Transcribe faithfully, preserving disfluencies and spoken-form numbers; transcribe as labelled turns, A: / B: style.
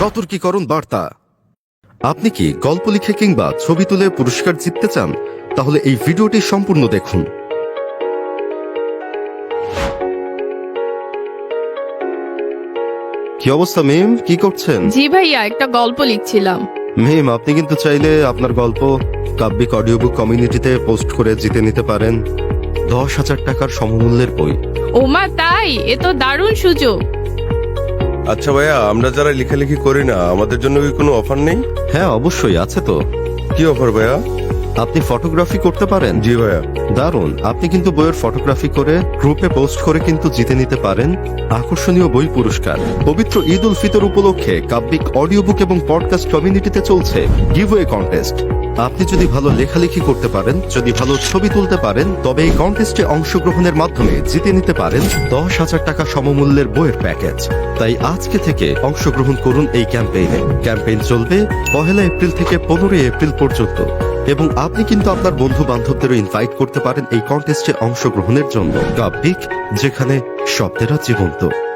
A: সতর্কীকরণ বার্তা। আপনি কি গল্প লিখে কিংবা ছবি তুলে পুরস্কার জিততে চান? তাহলে এই ভিডিওটি সম্পূর্ণ দেখুন। কি অবস্থা মিম, কি করছেন?
B: জি ভাইয়া, একটা গল্প লিখছিলাম।
A: মিম, আপনি কিন্তু চাইলে আপনার গল্প কাব্যিক অডিও বুক কমিউনিটিতে পোস্ট করে জিতে নিতে পারেন দশ হাজার টাকার সমমূল্যের বই।
B: ওমা তাই? এ তো দারুণ সুযোগ।
C: আচ্ছা ভাইয়া, আমরা যারা লেখালেখি করি না, আমাদের জন্য কি কোনো অফার নেই?
A: হ্যাঁ অবশ্যই আছে তো।
C: কি অফার ভাইয়া?
A: আপনি ফটোগ্রাফি করতে পারেন?
C: জি ভাইয়া।
A: দারুণ, আপনি কিন্তু বইয়ের ফটোগ্রাফি করে গ্রুপে পোস্ট করে কিন্তু জিতে নিতে পারেন আকর্ষণীয় বই পুরস্কার। পবিত্র ঈদ উল ফিতর উপলক্ষে কাব্যিক অডিও বুক এবং পডকাস্ট কমিউনিটিতে চলছে গিভওয়ে কন্টেস্ট। আপনি যদি ভালো লেখালেখি করতে পারেন, যদি ভালো ছবি তুলতে পারেন, তবে এই কন্টেস্টে অংশগ্রহণের মাধ্যমে জিতে নিতে পারেন দশ হাজার টাকা সমমূল্যের বইয়ের প্যাকেজ। তাই আজকে থেকে অংশগ্রহণ করুন এই ক্যাম্পেইনে। ক্যাম্পেইন চলবে পহেলা এপ্রিল থেকে পনেরোই এপ্রিল পর্যন্ত, এবং আপনি কিন্তু আপনার বন্ধু বান্ধবদেরও ইনভাইট করতে পারেন এই কন্টেস্টে অংশগ্রহণের জন্য। কাব্যিক, যেখানে শব্দেরা জীবন্ত।